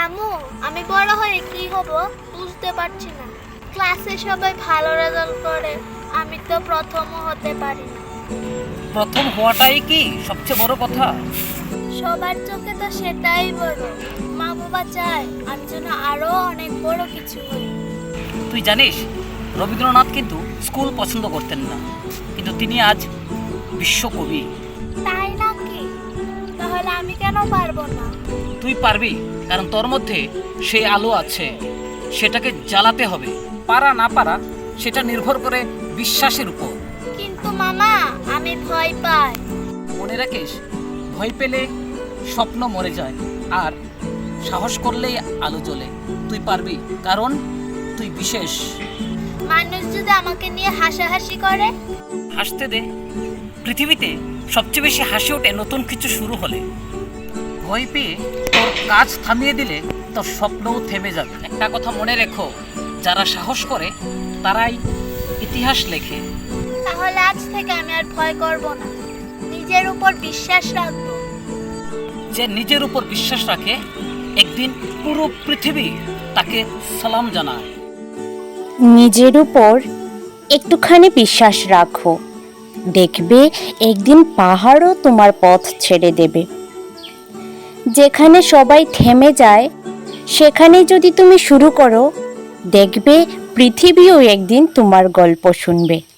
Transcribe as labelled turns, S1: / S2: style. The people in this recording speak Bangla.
S1: আম্মু, আমি বড় হয়ে কি হব বুঝতে পারছি না। ক্লাসে সবাই ভালো রেজাল্ট করে, আমি তো প্রথমও হতে পারি না।
S2: প্রথম হওয়াটাই কি সবচেয়ে বড় কথা?
S1: সবার চোখে তো সেটাই বড়। মা বাবা চায় আমি যেন আরো অনেক বড় কিছু হই।
S2: তুই জানিস, রবীন্দ্রনাথ কিন্তু স্কুল পছন্দ করতেন না, কিন্তু তিনি আজ বিশ্বকবি।
S1: তাই নাকি? তাহলে আমি কেন পারবো না?
S2: তুই পারবি, কারণ তোর মধ্যে সেই আলো আছে। সেটাকে জ্বালাতে হবে। পারা না পারা সেটা নির্ভর করে বিশ্বাসের উপর।
S1: কিন্তু মামা, আমি ভয় পাই।
S2: মনে রাখিস, ভয় পেলে স্বপ্ন মরে যায়, আর সাহস করলেই আলো জ্বলে। তুই পারবি, কারণ তুই বিশেষ।
S1: মানুষ যদি আমাকে নিয়ে হাসাহাসি করে?
S2: হাসতে দে। পৃথিবীতে সবচেয়ে বেশি হাসি ওঠে নতুন কিছু শুরু হলে। ভয় পেয়ে তোর কাজ থামিয়ে দিলে তোর স্বপ্নও থেমে যাবে। একটা কথা মনে রেখো, যারা সাহস করে তারাই ইতিহাস লেখে।
S1: তাহলে আজ থেকে আমি আর ভয় করব না, নিজের উপর বিশ্বাস রাখবো।
S2: যে নিজের উপর বিশ্বাস রাখে, একদিন পুরো পৃথিবী তাকে সালাম জানায়।
S3: নিজের উপর একটুখানি বিশ্বাস রাখো, দেখবে একদিন পাহাড়ও তোমার পথ ছেড়ে দেবে। যেখানে সবাই থেমে যায় সেখানে যদি তুমি শুরু করো, দেখবে পৃথিবীও একদিন তোমার গল্প শুনবে।